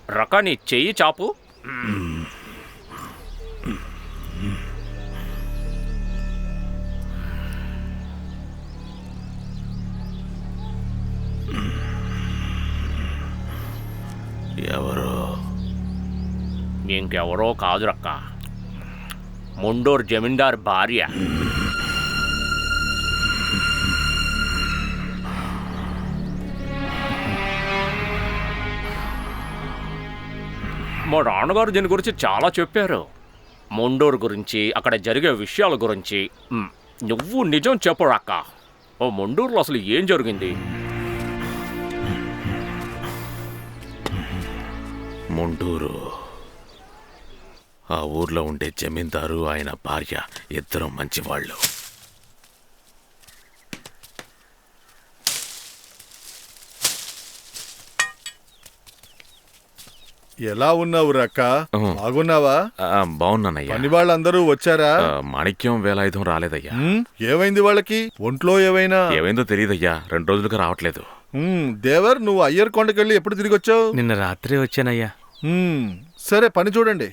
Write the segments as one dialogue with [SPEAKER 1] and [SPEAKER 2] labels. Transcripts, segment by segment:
[SPEAKER 1] రకాని చెయ్యి చాపు.
[SPEAKER 2] ఎవరో
[SPEAKER 1] ఇంకెవరో కాదు రక్క, ముండూరు జమీందార్ భార్య. మా నాన్నగారు దీని గురించి చాలా చెప్పారు. ముండూరు గురించి, అక్కడ జరిగే విషయాల గురించి. నువ్వు నిజం చెప్పు రక్క, ఓ ముండూరులో అసలు ఏం జరిగింది?
[SPEAKER 2] ముండూరు, ఆ ఊర్లో ఉండే జమీందారు ఆయన భార్య ఇద్దరు మంచివాళ్ళు.
[SPEAKER 3] ఎలా ఉన్నావు రక్క? బాగున్నావా?
[SPEAKER 2] బాగున్నానయ్యా.
[SPEAKER 3] పని వాళ్ళందరూ వచ్చారా?
[SPEAKER 2] మాణిక్యం వేలాయుధం రాలేదయ్యా.
[SPEAKER 3] ఏమైంది వాళ్ళకి? ఒంట్లో
[SPEAKER 2] ఏమైందో తెలియదయ్యా, 2 రోజులుగా రావట్లేదు.
[SPEAKER 3] దేవర్, నువ్వు అయ్యర్ కొండకెళ్ళి ఎప్పుడు తిరిగి వచ్చావు?
[SPEAKER 4] నిన్న రాత్రి వచ్చానయ్యా.
[SPEAKER 3] సరే, పని చూడండి.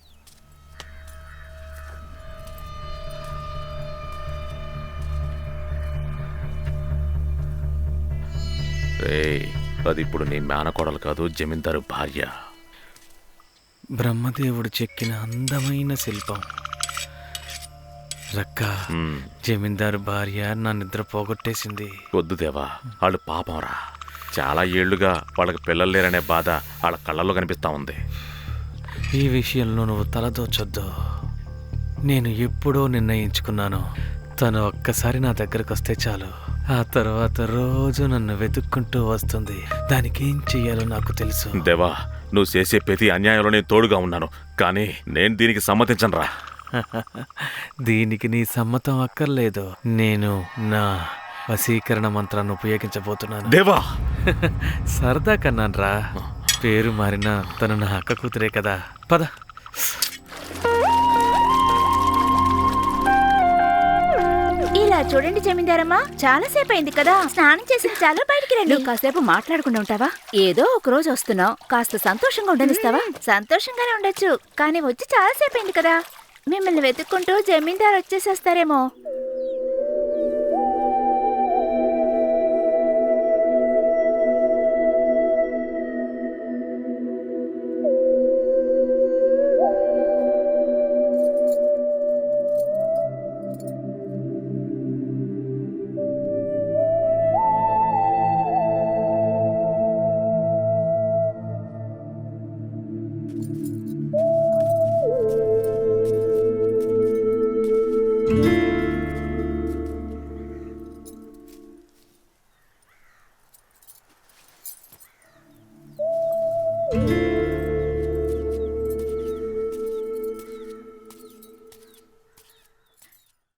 [SPEAKER 2] అది ఇప్పుడు నీ మేనకోడలు కాదు, జమీందారు భార్య.
[SPEAKER 4] బ్రహ్మదేవుడు చెక్కిన అందమైన శిల్పం. రక్క, జమీందారు భార్య నా నిద్ర పోగొట్టేసింది.
[SPEAKER 2] వద్దు దేవా, వాళ్ళు పాపంరా. చాలా ఏళ్లుగా వాళ్ళకి పిల్లలు లేరనే బాధ వాళ్ళ కళ్ళల్లో కనిపిస్తా ఉంది.
[SPEAKER 4] ఈ విషయంలో నువ్వు తలదోచొద్దు. నేను ఎప్పుడో నిర్ణయించుకున్నాను, తను ఒక్కసారి నా దగ్గరకు వస్తే చాలు, ఆ తర్వాత రోజు నన్ను వెతుక్కుంటూ వస్తుంది. దానికి ఏం చెయ్యాలో నాకు తెలుసు.
[SPEAKER 2] దేవా, నువ్వు చేసే ప్రతి అన్యాయంలో నేను తోడుగా ఉన్నాను, కానీ నేను దీనికి సమ్మతించనురా.
[SPEAKER 4] దీనికి నీ సమ్మతం అక్కర్లేదు. నేను నా వశీకరణ మంత్రాన్ని ఉపయోగించబోతున్నాను.
[SPEAKER 2] దేవా,
[SPEAKER 4] సరదా కన్నాను రా. పేరు మారినా తను నా అక్క కూతురే కదా. పద.
[SPEAKER 5] ఇలా చూడండి జమీందారమ్మా, చాలా సేపు అయింది కదా, స్నానం చేసిన చాలు, బయటికి రండి. కాసేపు మాట్లాడకుండా ఉంటావా? ఏదో ఒక రోజు వస్తున్నావు, కాస్త సంతోషంగా ఉండనిస్తావా? సంతోషంగానే ఉండొచ్చు, కానీ వచ్చి చాలా సేపు అయింది కదా. మిమ్మల్ని వెతుక్కుంటూ జమీందారు వచ్చేసేస్తారేమో.